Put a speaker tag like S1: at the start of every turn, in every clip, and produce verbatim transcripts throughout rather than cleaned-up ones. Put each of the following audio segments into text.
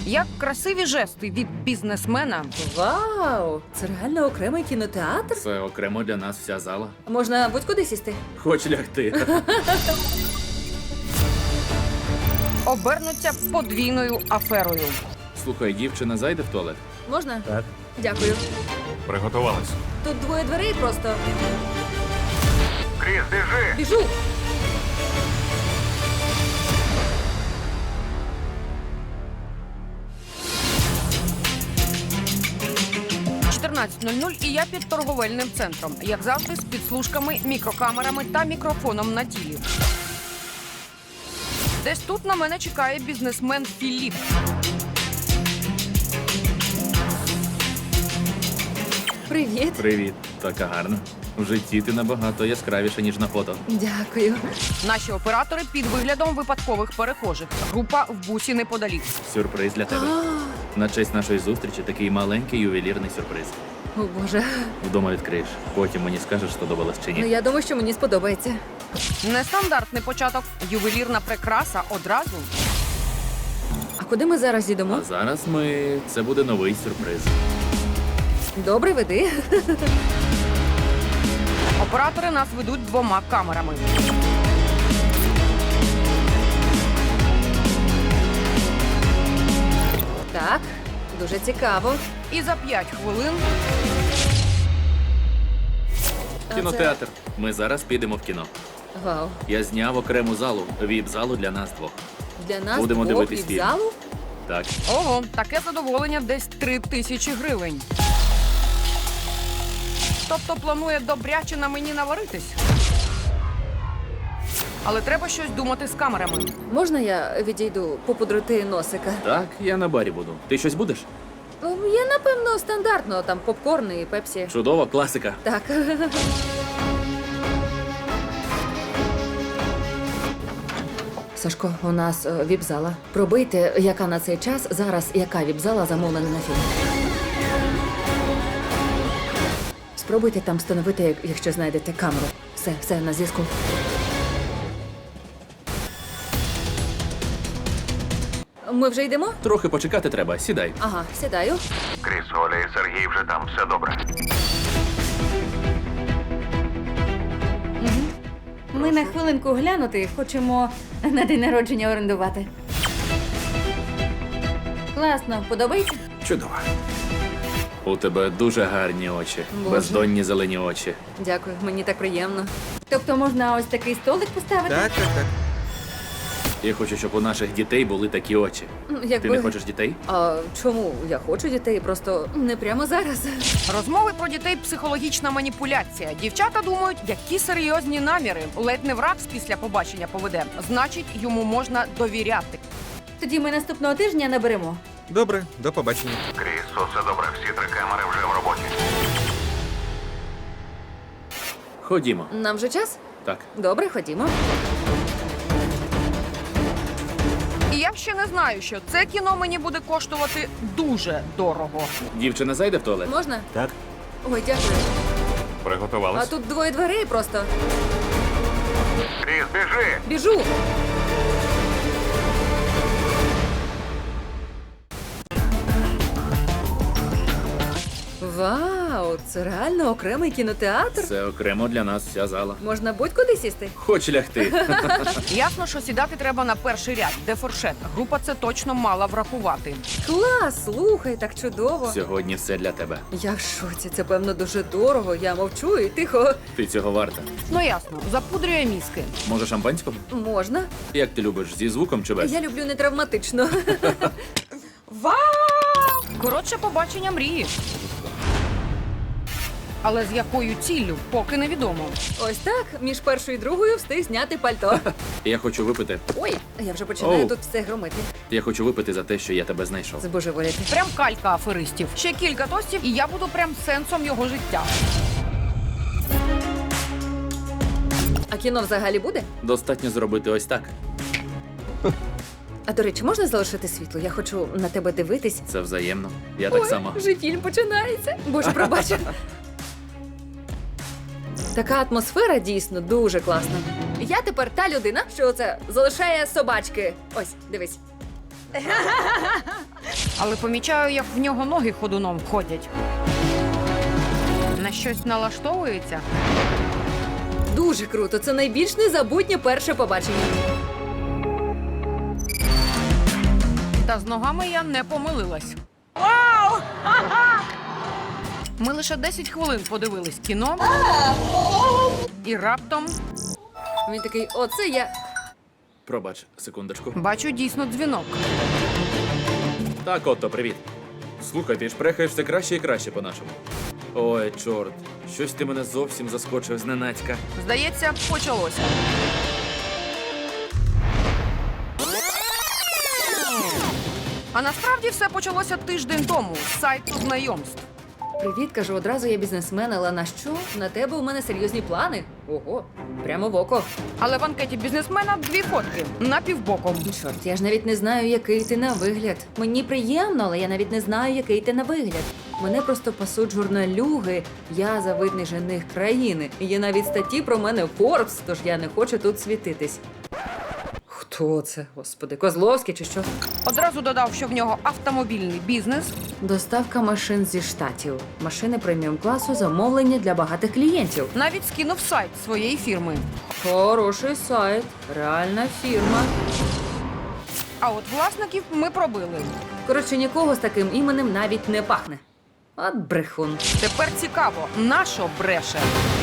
S1: Як красиві жести від бізнесмена.
S2: Вау! Це реально окремий кінотеатр?
S3: Це окремо для нас вся зала.
S2: Можна будь-куди сісти.
S3: Хоч лягти.
S1: Обернуться подвійною аферою.
S3: Слухай, дівчина зайде в туалет?
S2: Можна?
S4: Так.
S2: Дякую.
S4: Приготувались.
S2: Тут двоє дверей просто.
S4: Кріс, біжи!
S2: Біжу!
S1: чотирнадцять нуль нуль і я під торговельним центром. Як завжди, з підслужками, мікрокамерами та мікрофоном на тілі. Десь тут на мене чекає бізнесмен Філіп.
S2: Привіт.
S3: Привіт. Така гарна. В житті ти набагато яскравіша, ніж на фото.
S2: Дякую.
S1: Наші оператори під виглядом випадкових перехожих. Група в бусі неподалік.
S3: Сюрприз для тебе. На честь нашої зустрічі такий маленький ювелірний сюрприз.
S2: О, Боже.
S3: Вдома відкриєш. Потім мені скажеш, сподобалось чи
S2: Ну,
S3: ні.
S2: я думаю, що мені сподобається.
S1: Нестандартний початок. Ювелірна прикраса одразу.
S2: А куди ми зараз їдемо?
S3: А зараз ми... Це буде новий сюрприз.
S2: Добре, веди.
S1: Оператори нас ведуть двома камерами.
S2: Так, дуже цікаво.
S1: І за п'ять хвилин
S2: А
S3: Кінотеатр. Ми зараз підемо в кіно.
S2: це- Вау.
S3: Я зняв окрему залу, віп-залу для нас двох.
S2: Для нас
S3: Будемо
S2: двох
S3: дивитись
S2: від
S3: фільм.
S2: залу?
S3: Так.
S1: ого, таке задоволення десь три тисячі гривень. Тобто планує добряче на мені наваритись. Але треба щось думати з камерами.
S2: Можна я відійду попудрити носика?
S3: Так, я на барі буду. Ти щось будеш?
S2: Ем, Я, напевно, стандартно, там попкорн і пепсі.
S3: Чудова класика.
S2: Так. Сашко, у нас е, віп-зала. Пробийте, яка на цей час зараз, яка віп-зала замовлена на фільм. Спробуйте там встановити, як- якщо знайдете камеру. Все, все, на зв'язку. Ми вже йдемо?
S3: Трохи почекати треба. Сідай.
S2: Ага, сідаю.
S4: Кріс, Оля і Сергій вже там, все добре.
S5: Ми на хвилинку глянути хочемо на день народження орендувати. Класно, подобається?
S3: Чудово. У тебе дуже гарні очі.
S2: Боже.
S3: Бездонні зелені очі.
S2: Дякую, мені так приємно.
S5: Тобто можна ось такий столик поставити?
S4: Так, так, так.
S3: Я хочу, щоб у наших дітей були такі очі.
S2: М, Якби...
S3: Ти не хочеш дітей?
S2: А чому? Я хочу дітей, просто не прямо зараз.
S1: Розмови про дітей – психологічна маніпуляція. Дівчата думають, які серйозні наміри. Ледь не враг після побачення поведе. Значить, йому можна довіряти.
S5: Тоді ми наступного тижня наберемо.
S4: Добре, до побачення. Кріс, усе добре, всі три камери вже в роботі.
S3: Ходімо.
S2: Нам вже час?
S3: Так.
S2: Добре, ходімо.
S1: І я ще не знаю, що це кіно мені буде коштувати дуже дорого.
S3: Дівчина зайде в туалет?
S2: Можна?
S4: Так.
S2: Ой, дякую. А
S4: Приготувались.
S2: тут двоє дверей просто.
S4: Кріс, біжи!
S2: Біжу. Вау, це реально окремий кінотеатр?
S3: Це окремо для нас вся зала.
S2: Можна будь-куди сісти?
S3: Хоч лягти.
S1: Ясно, що сідати треба на перший ряд, де фуршет. Група це точно мала врахувати.
S2: Клас, слухай, так чудово.
S3: Сьогодні все для тебе.
S2: Я в шоці, це певно дуже дорого. Я мовчу і тихо.
S3: Ти цього варта.
S1: Ну ясно, запудрює мізки.
S3: Може, шампанського?
S2: Можна?
S3: Як ти любиш, зі звуком чи без?
S2: Я люблю не травматично.
S1: Вау! Коротше, побачення мрії. Але з якою ціллю, поки невідомо.
S2: Ось так, між першою і другою встиг зняти пальто.
S3: Я хочу випити.
S2: Ой, я вже починаю
S3: Оу.
S2: тут все громити.
S3: Я хочу випити за те, що я тебе знайшов.
S2: Збожеволіти.
S1: Прям калька аферистів. Ще кілька тостів, і я буду прям сенсом його життя.
S2: А кіно взагалі буде?
S3: Достатньо зробити ось так.
S2: А до речі, можна залишити світло? Я хочу на тебе дивитись.
S3: Це взаємно. Я так
S2: Ой,
S3: само.
S2: вже фільм починається. Боже, пробач. Така атмосфера дійсно дуже класна. Я тепер та людина, що це залишає собачки. Ось, дивись.
S1: Але помічаю, як в нього ноги ходуном ходять. На щось налаштовується.
S2: Дуже круто. Це найбільш незабутнє перше побачення.
S1: Та з ногами я не помилилась. Вау! Ми лише десять хвилин подивились кіно. І раптом
S2: Він такий, оце я.
S3: Пробач, секундочку.
S1: бачу дійсно дзвінок.
S3: Так, Отто, привіт. Слухай, ти ж прехаєш все краще і краще по-нашому. Ой, чорт, щось ти мене зовсім заскочив зненацька.
S1: Здається, почалося. А насправді все почалося тиждень тому з сайту знайомств.
S2: Привіт, кажу, одразу я бізнесмен, але на що? На тебе у мене серйозні плани. Ого, прямо в око.
S1: Але в анкеті бізнесмена дві фотки на півбоком.
S2: Чорт, я ж навіть не знаю, який ти на вигляд. Мені приємно, але я навіть не знаю, який ти на вигляд. Мене просто пасуть журналюги. Я завидний жених країни. Є навіть статті про мене в Forbes, тож я не хочу тут світитись. Хто це, господи, Козловський чи що?
S1: Одразу додав, що в нього автомобільний бізнес.
S2: Доставка машин зі штатів. Машини преміум класу, замовлення для багатих клієнтів.
S1: Навіть скинув сайт своєї фірми.
S2: Хороший сайт, реальна фірма.
S1: А от власників ми пробили.
S2: Коротше, нікого з таким іменем навіть не пахне. От брехун.
S1: Тепер цікаво, нащо бреше?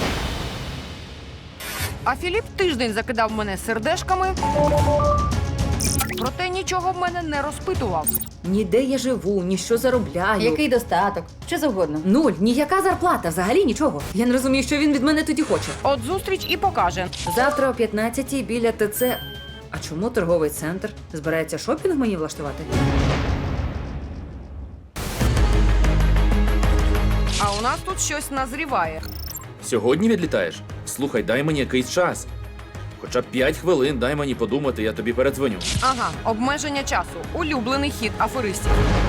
S1: А Філіп тиждень закидав мене сердешками, проте нічого в мене не розпитував.
S2: Ніде я живу, ні що заробляю.
S5: Який достаток? Що завгодно.
S2: Нуль, ніяка зарплата, взагалі нічого. Я не розумію, що він від мене тоді хоче.
S1: От зустріч і покаже.
S2: Завтра о п'ятнадцятій біля ТЦ. А чому торговий центр? Збирається шопінг мені влаштувати?
S1: А у нас тут щось назріває.
S3: Сьогодні відлітаєш? Слухай, дай мені якийсь час. Хоча б п'ять хвилин дай мені подумати, я тобі передзвоню.
S1: Ага, обмеження часу. Улюблений хід аферистів.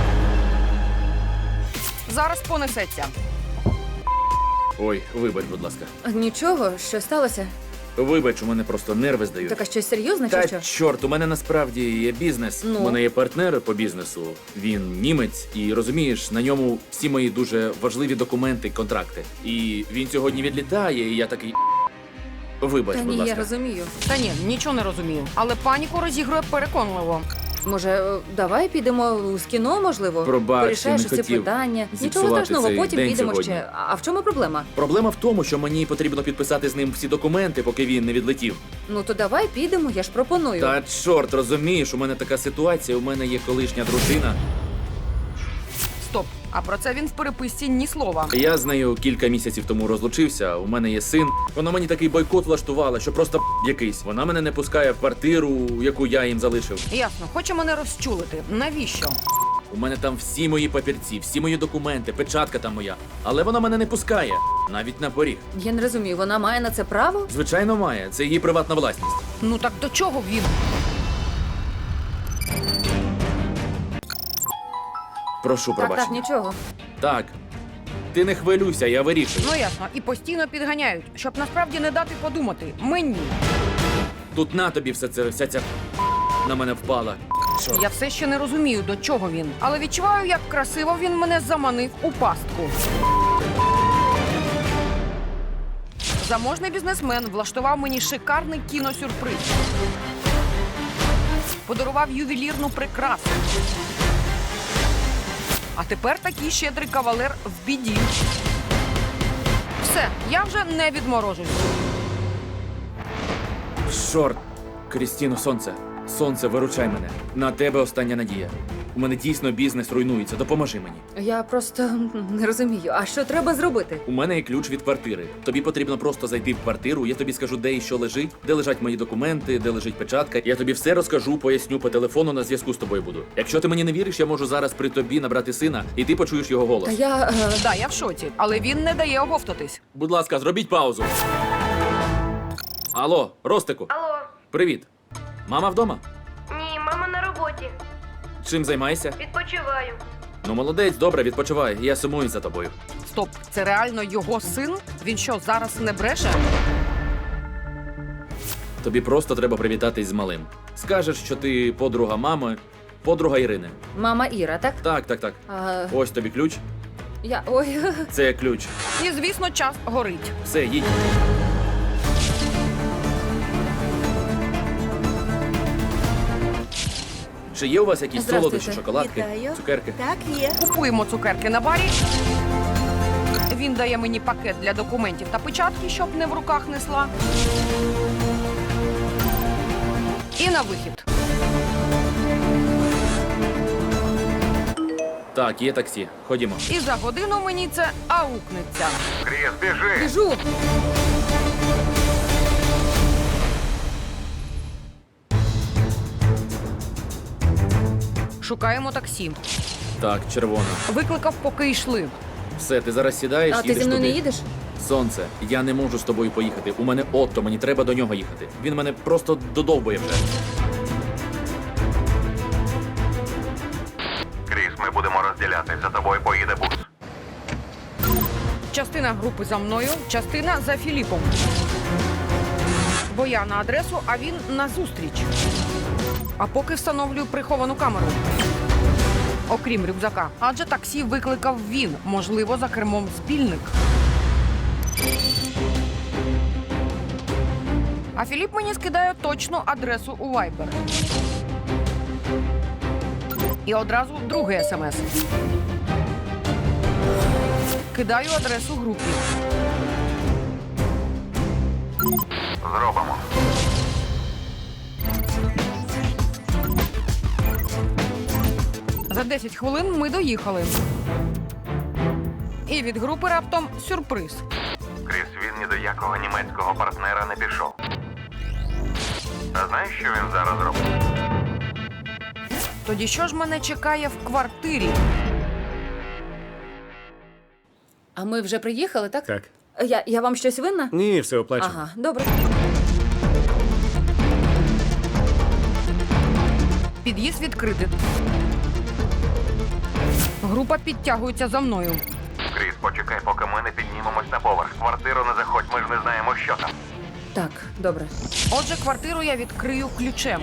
S1: Зараз понесеться.
S3: Ой, вибач, будь ласка.
S2: Нічого, що сталося?
S3: Вибач, у мене просто нерви здають.
S2: Так, а щось серйозне чи
S3: Та
S2: що?
S3: чорт, у мене насправді є бізнес.
S2: Ну?
S3: У мене є партнер по бізнесу. Він німець, і розумієш, на ньому всі мої дуже важливі документи, контракти. І він сьогодні відлітає, і я такий. Вибач,
S2: Та
S3: будь
S2: ні,
S3: ласка.
S2: я розумію.
S1: Та ні, нічого не розумію. Але паніку розігрує переконливо.
S2: Може, е, давай підемо з кіно, можливо?
S3: Пробач,
S2: Порішаєш
S3: я не
S2: ці
S3: хотів
S2: питання. Нічого
S3: зіпсувати
S2: страшного,
S3: цей
S2: потім
S3: день
S2: підемо
S3: сьогодні.
S2: ще. А в чому проблема?
S3: Проблема в тому, що мені потрібно підписати з ним всі документи, поки він не відлетів.
S2: Ну то давай підемо, я ж пропоную.
S3: Та чорт, розумієш, у мене така ситуація, у мене є колишня дружина.
S1: Стоп. А про це він в переписці ні слова.
S3: Я з нею кілька місяців тому розлучився. У мене є син. Вона мені такий бойкот влаштувала, що просто якийсь. Вона мене не пускає в квартиру, яку я їм залишив.
S1: Ясно, хоче мене розчулити. Навіщо?
S3: У мене там всі мої папірці, всі мої документи, печатка там моя. Але вона мене не пускає, навіть на поріг.
S2: Я не розумію, вона має на це право?
S3: Звичайно, має. Це її приватна власність.
S1: Ну так до чого він?
S3: Прошу
S2: Так, так,
S3: пробачення.
S2: нічого.
S3: Так. Ти не хвилюйся, я вирішую.
S1: Ну ясно, і постійно підганяють, щоб насправді не дати подумати. Мені.
S3: Тут на тобі все це, вся ця на мене впала. Чорт.
S1: Я все ще не розумію, до чого він. Але відчуваю, як красиво він мене заманив у пастку. Заможний бізнесмен влаштував мені шикарний кіносюрприз. Подарував ювелірну прикрасу. А тепер такий щедрий кавалер в біді. Все, я вже не відморожусь.
S3: Чорт. Крістіно, сонце. Сонце, виручай мене. На тебе остання надія. У мене дійсно бізнес руйнується. Допоможи мені.
S2: Я просто не розумію. А що треба зробити?
S3: У мене є ключ від квартири. Тобі потрібно просто зайти в квартиру. Я тобі скажу, де і що лежить, де лежать мої документи, де лежить печатка. Я тобі все розкажу, поясню по телефону, на зв'язку з тобою буду. Якщо ти мені не віриш, я можу зараз при тобі набрати сина, і ти почуєш його голос.
S2: Та я. е,
S1: Да, я в шоці, але він не дає оговтатись.
S3: Будь ласка, зробіть паузу. Алло, Ростику.
S6: Алло,
S3: Привіт. Мама вдома?
S6: ні, мама на роботі.
S3: Чим займаєшся?
S6: Відпочиваю.
S3: Ну, молодець, добре, відпочивай. Я сумую за тобою.
S1: Стоп, це реально його син? Він що, зараз не бреше?
S3: Тобі просто треба привітатись з малим. Скажеш, що ти подруга мами, Подруга Ірини.
S2: Мама Іра, так?
S3: Так, так, так.
S2: А,
S3: Ось тобі ключ.
S2: я. Ой.
S3: Це ключ.
S1: І, звісно, час горить.
S3: Все, їдь. Чи є у вас якісь
S2: Здравствуйте.
S3: солодощі, шоколадки,
S7: Вітаю.
S3: цукерки?
S7: Так, є.
S1: Купуємо цукерки на барі. Він дає мені пакет для документів та печатки, щоб не в руках несла. І на вихід.
S3: Так, є таксі. Ходімо.
S1: І за годину мені це аукнеться.
S4: Кріс, біжи!
S2: Біжу.
S1: Шукаємо таксі.
S3: Так, червона.
S1: Викликав, поки йшли.
S3: Все, ти зараз сідаєш,
S2: А ти
S3: їдеш
S2: зі мною
S3: туди.
S2: не їдеш?
S3: Сонце, я не можу з тобою поїхати. У мене Отто, мені треба до нього їхати. Він мене просто додовбує вже.
S4: Кріс, ми будемо розділятись. За тобою поїде бус.
S1: Частина групи за мною, частина за Філіпом. Бо я на адресу, а він на зустріч. А поки встановлюю приховану камеру. Окрім рюкзака. Адже таксі викликав він. Можливо, за кермом спільник. А Філіп мені скидає точну адресу у Viber. І одразу другий смс. Кидаю адресу групі.
S4: Зробимо.
S1: За десять хвилин ми доїхали. І від групи раптом сюрприз.
S4: Кріс, він ні до якого німецького партнера не пішов. А знаєш, що він зараз робить?
S1: Тоді що ж мене чекає в квартирі?
S2: А ми вже приїхали, так?
S8: Так.
S2: Я, я вам щось винна?
S8: Ні, все оплачено.
S2: Ага, добре.
S1: Під'їзд відкритий. Група підтягується за мною.
S4: Кріс, почекай, поки ми не піднімемось на поверх. В квартиру не заходь, ми ж не знаємо, що там.
S2: Так, добре.
S1: Отже, квартиру я відкрию ключем.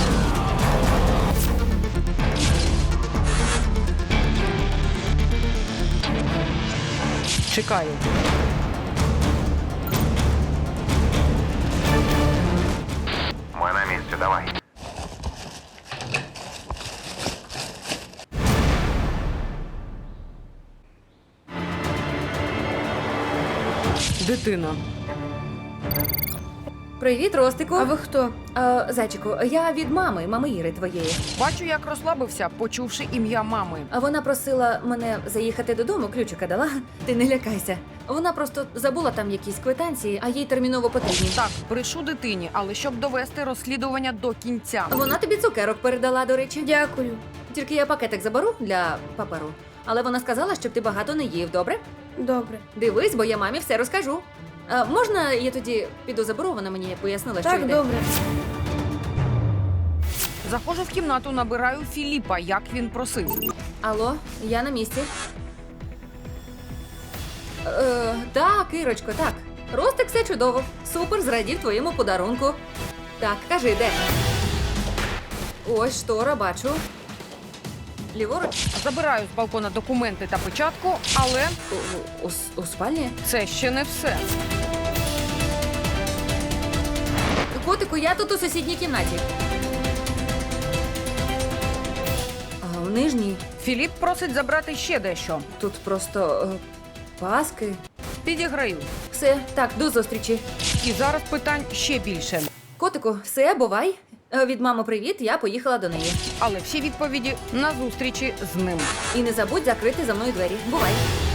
S1: Чекаю.
S4: Ми на місці, давай.
S1: Дитина.
S2: Привіт, Ростику.
S5: А ви хто?
S2: А, зайчику, я від мами, мами Іри твоєї.
S1: Бачу, як розслабився, почувши ім'я мами.
S2: А вона просила мене заїхати додому, ключика дала. Ти не лякайся. Вона просто забула там якісь квитанції, а їй терміново потрібні.
S1: Так, брешу дитині, але щоб довести розслідування до кінця.
S2: Вона тобі цукерок передала, до речі.
S5: Дякую.
S2: Тільки я пакетик заберу для паперу. Але вона сказала, щоб ти багато не їв, добре?
S5: Добре.
S2: Дивись, бо я мамі все розкажу. А, можна я тоді піду заберу? Вона мені пояснила, що
S5: Так,
S2: йде.
S5: добре.
S1: Заходжу в кімнату, набираю Філіпа, як він просив.
S2: Алло, я на місці. Е, так, Ірочко, так. Ростик, все чудово. Супер, зрадів твоєму подарунку. Так, кажи, де? Ось штора, бачу. Ліворуч?
S1: Забираю з балкона документи та печатку, але
S2: У, у, у, с- у спальні?
S1: це ще не все.
S2: Котику, я тут у сусідній кімнаті. А в нижній
S1: Філіп просить забрати ще дещо.
S2: тут просто е, паски.
S1: Підіграю.
S2: Все, так, до зустрічі.
S1: І зараз питань ще більше.
S2: Котику, все, бувай. Е, Від мами привіт, я поїхала до неї.
S1: Але всі відповіді на зустрічі з ним.
S2: І не забудь закрити за мною двері. Бувай.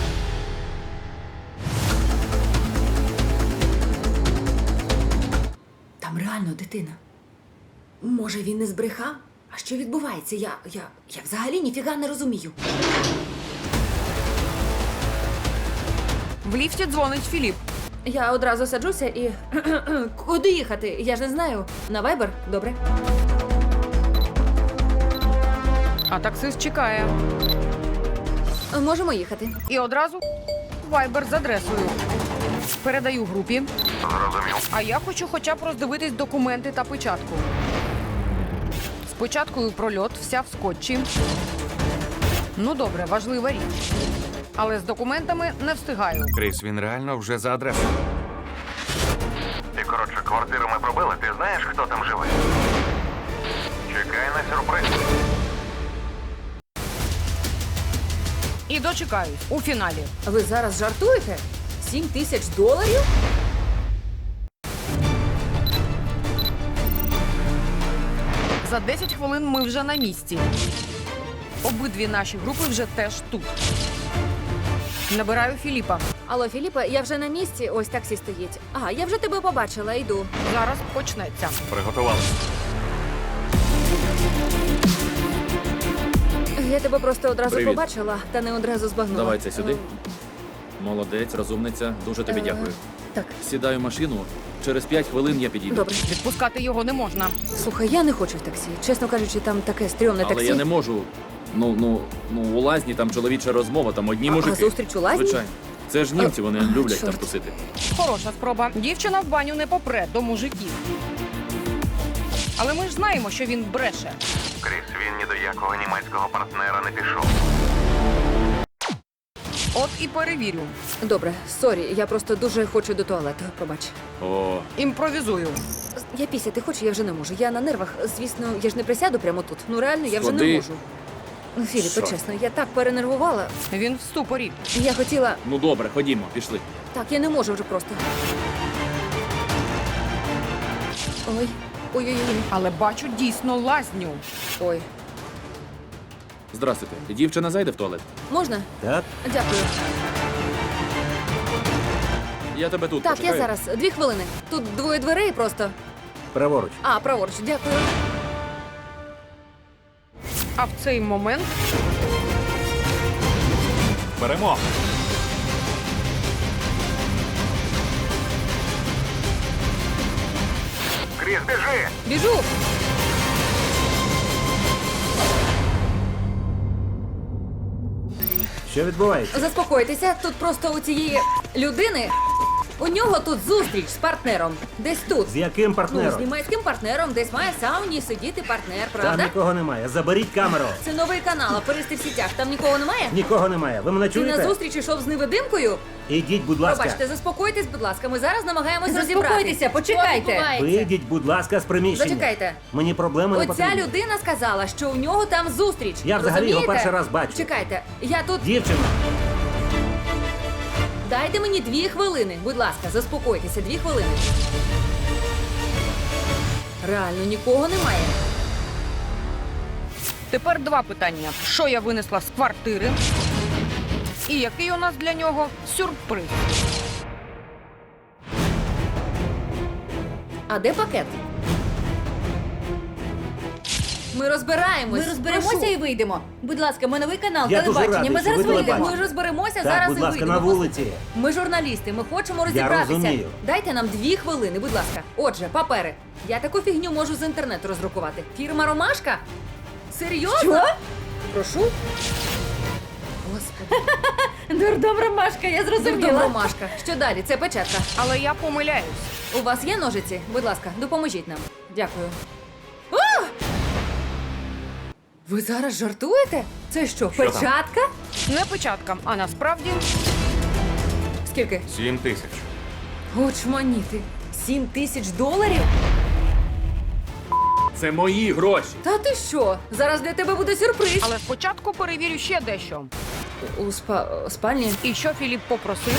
S2: Там реально дитина. Може, він не збрехав? А що відбувається? Я, я, я взагалі ніфіга не розумію.
S1: В ліфті дзвонить Філіп.
S2: Я одразу саджуся і. Куди їхати? Я ж не знаю. На Viber? Добре.
S1: А таксист чекає.
S2: Можемо їхати.
S1: І одразу вайбер з адресою. Передаю групі.
S4: Зрозумів.
S1: А я хочу хоча б роздивитись документи та печатку. Спочатку у прольот, вся в скотчі. Ну добре, важлива річ. Але з документами не встигаю.
S7: Кріс, він реально вже за адресою.
S4: І, коротше, квартиру ми пробили, ти знаєш, хто там живе? Чекай на сюрприз.
S1: І дочекаюсь у фіналі.
S2: Ви зараз жартуєте? Сім тисяч доларів?
S1: За десять хвилин ми вже на місці. Обидві наші групи вже теж тут. Набираю Філіпа.
S2: Алло, Філіпе, я вже на місці, ось таксі стоїть. Ага, я вже тебе побачила, йду.
S1: Зараз почнеться.
S7: Приготувалися.
S2: Я тебе просто одразу
S3: Привіт.
S2: побачила, та не одразу збагнула.
S3: Давай це сюди. Молодець, розумниця. Дуже тобі
S2: Е,
S3: дякую.
S2: Так,
S3: Сідаю в машину. Через п'ять хвилин я підійду.
S2: добре.
S1: Відпускати його не можна.
S2: Слухай, я не хочу в таксі. Чесно кажучи, там таке стрьомне
S3: Але
S2: таксі.
S3: я не можу. Ну, ну, ну, у лазні там чоловіча розмова, там одні
S2: А-
S3: мужики.
S2: а зустріч у лазні?
S3: Звичайно. Це ж німці, вони
S2: А,
S3: люблять
S2: чорт.
S3: там тусити.
S1: Хороша спроба. Дівчина в баню не попре до мужиків. Але ми ж знаємо, що він бреше.
S4: Кріс, він ні до якого німецького партнера не пішов.
S1: От і перевірю.
S2: Добре, сорі, я просто дуже хочу до туалету. Пробач.
S3: О,
S1: Імпровізую.
S2: Я пісяти хочу, я вже не можу. Я на нервах. Звісно, я ж не присяду прямо тут. Ну реально, я вже не
S3: Сходи.
S2: можу. Ну, Філіпе,
S3: Що?
S2: чесно, я так перенервувала.
S1: Він в ступорі.
S2: Я хотіла.
S3: ну добре, ходімо, пішли.
S2: Так, я не можу вже просто. Ой. Ой-ой-ой.
S1: Але бачу дійсно лазню.
S2: Ой.
S3: Здрастуйте. Дівчина зайде в туалет?
S2: Можна?
S7: Так?
S2: Дякую.
S3: Я тебе тут
S2: Так,
S3: почекаю.
S2: я зараз. Дві хвилини. Тут двоє дверей просто.
S7: Праворуч.
S2: А, праворуч, дякую.
S1: А в цей момент
S7: Беремо.
S4: Кріс, біжи!
S2: Біжу!
S7: Що відбувається?
S2: Заспокойтеся, тут просто у цієї людини. У нього тут зустріч з партнером. Десь тут.
S7: З яким
S2: Ну, з
S7: партнером?
S2: німецьким партнером, десь має в сауні сидіти партнер,
S7: Там
S2: правда?
S7: нікого немає. Заберіть камеру.
S2: Це новий канал, аферисти в сітях. Там нікого немає?
S7: Нікого немає. Ви мене
S2: Ти на
S7: чуєте?
S2: зустріч ішов з невидимкою?
S7: Ідіть, будь ласка.
S2: Пробачте, заспокойтесь, будь ласка. Ми зараз намагаємось
S5: Заспокойтеся,
S2: розібратися.
S5: почекайте.
S2: Що відбувається?
S7: Вийдіть, будь ласка, з приміщення.
S2: Зачекайте.
S7: Мені проблеми не
S2: Оця
S7: потрібні.
S2: людина сказала, що у нього там зустріч.
S7: Я взагалі його
S2: Розумієте?
S7: перший раз бачу.
S2: Чекайте, я тут.
S7: Дівчина,
S2: Дайте мені дві хвилини. Будь ласка, заспокойтеся, дві хвилини. Реально нікого немає.
S1: тепер два питання: що я винесла з квартири? І який у нас для нього сюрприз?
S2: А де пакет? Ми розбираємось.
S5: Ми розберемося
S2: Прошу.
S5: і вийдемо. Будь ласка, ми новий канал
S7: Я дуже
S5: телебачення.
S7: радий,
S5: Ми
S7: що
S5: зараз
S7: ви
S5: вийдемо.
S7: телебачите.
S2: Ми розберемося
S7: так,
S2: зараз
S7: будь
S2: і
S7: ласка,
S2: вийдемо.
S7: на вулиці.
S2: Ми журналісти, ми хочемо розібратися.
S7: розумію.
S2: Дайте нам дві хвилини, будь ласка. Отже, папери. Я таку фігню можу з інтернету роздрукувати. Фірма Ромашка? Серйозно?
S5: Що?
S2: Прошу. Господи,
S5: Дурдом Ромашка, я
S2: дурдом
S5: зрозуміла.
S2: Ромашка. Що далі? Це печатка.
S1: Але я помиляюсь.
S2: У вас є ножиці? Будь ласка, допоможіть нам. Дякую. А! Ви зараз жартуєте? Це що,
S7: Що там?
S2: печатка?
S1: Не печатка, а насправді
S2: Скільки?
S7: Сім тисяч.
S2: Очманіти. Сім тисяч доларів?
S3: Це мої гроші.
S2: Та ти що? Зараз для тебе буде сюрприз.
S1: Але спочатку перевірю ще дещо.
S2: У спа- спальні.
S1: І що Філіп попросив?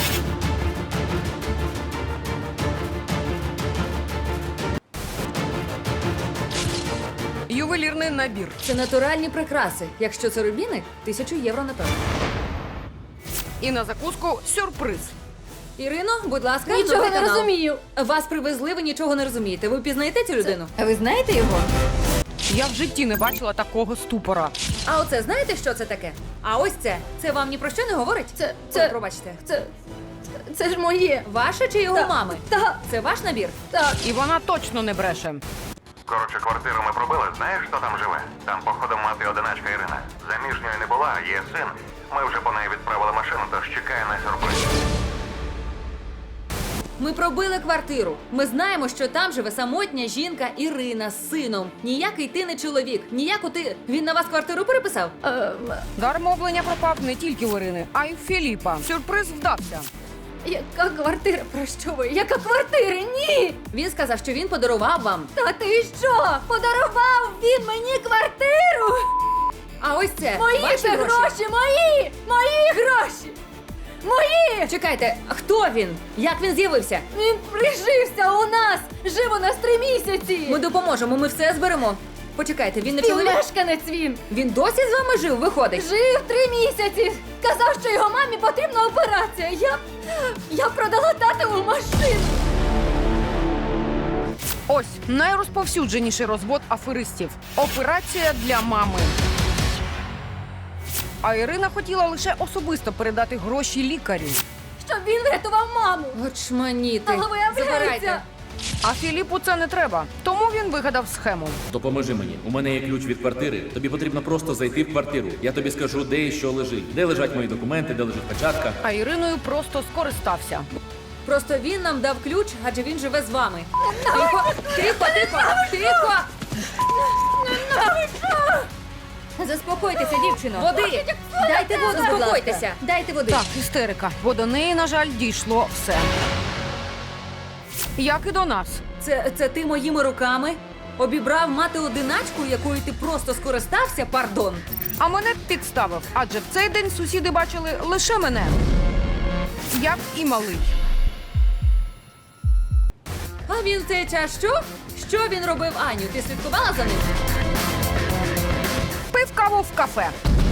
S1: Ювелірний набір.
S2: Це натуральні прикраси. Якщо це рубіни, тисячу євро напевно.
S1: І на закуску сюрприз.
S2: Ірино, будь ласка,
S5: Нічого
S2: новий
S5: не
S2: канал.
S5: розумію.
S2: Вас привезли, ви нічого не розумієте. Ви пізнаєте цю людину?
S5: А ви знаєте його?
S1: Я в житті не бачила такого ступора.
S2: А оце знаєте, що це таке? А ось це. Це вам ні про що не говорить?
S5: Це-
S2: Ой,
S5: це-
S2: пробачте.
S5: Це. Це, це ж моє.
S2: Ваше чи його
S5: Та-
S2: мами?
S5: та-
S2: Це ваш набір?
S5: Так.
S1: І вона точно не бреше.
S4: Коротше, квартиру ми пробили, знаєш, хто там живе? Там, походу, мати одиначка Ірина. Заміжньої не була, є син. Ми вже по неї відправили машину, тож чекає на сюрприз.
S2: Ми пробили квартиру. Ми знаємо, що там живе самотня жінка Ірина з сином. Ніякий ти не чоловік. Ніяку ти. Він на вас квартиру переписав?
S5: Е,
S1: Дар мовлення пропав не тільки в Ірини, а й в Філіпа. Сюрприз вдався.
S5: яка квартира? Про що ви? Яка квартира? Ні!
S2: Він сказав, що він подарував вам.
S5: Та ти що? Подарував він мені квартиру?
S2: А ось це.
S5: Мої
S2: ваші
S5: це гроші, мої! Мої гроші! Мої!
S2: Чекайте, хто він? Як він з'явився?
S5: Він прижився у нас! Жив у нас три місяці!
S2: Ми допоможемо, ми все зберемо. Почекайте, він не чоловік?
S5: Співмешканець він!
S2: Він досі з вами жив, виходить?
S5: Жив три місяці! Казав, що його мамі потрібна операція. Я. Я продала татову машину.
S1: Ось найрозповсюдженіший розвод аферистів. Операція для мами. А Ірина хотіла лише особисто передати гроші лікарю.
S5: Щоб він врятував маму.
S2: Очманіти.
S5: Але виявляється.
S2: Забирайте.
S1: А Філіпу це не треба, тому він вигадав схему.
S3: Допоможи мені. У мене є ключ від квартири. Тобі потрібно просто зайти в квартиру. Я тобі скажу, де і що лежить, де лежать мої документи, де лежить печатка.
S1: А Іриною просто скористався.
S2: Просто він нам дав ключ, адже він живе з вами. Тихо, тихо, тихо, тихо.
S5: Заспокойтеся, дівчино.
S2: Води. Дайте воду, заспокойтеся. Дайте води.
S1: Так, істерика, бо до неї, на жаль, дійшло все. Як і до нас.
S2: Це, це ти моїми руками обібрав мати одиначку, якою ти просто скористався, пардон.
S1: А мене підставив, адже в цей день сусіди бачили лише мене. Як і малий.
S2: А він в цей час що? Що він робив, Аню? Ти слідкувала за ним?
S1: Пив каву в кафе.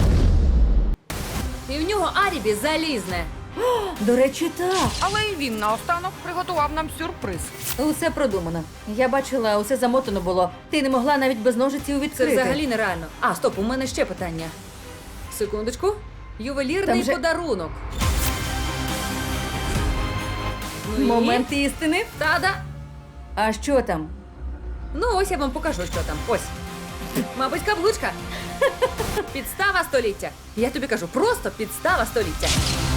S2: І в нього алібі залізне.
S5: До речі, так.
S1: Але і він наостанок приготував нам сюрприз.
S5: Усе продумано. Я бачила, усе замотано було. Ти не могла навіть без ножиців
S2: Це
S5: відкрити.
S2: взагалі нереально. А, стоп, у мене ще питання. Секундочку. Ювелірний
S5: Там же-
S2: подарунок. Ну і?
S5: Момент істини.
S2: Та-да.
S5: А що там?
S2: Ну, ось я вам покажу, що там. Ось. Мабуть, каблучка. Підстава століття. Я тобі кажу, просто підстава століття.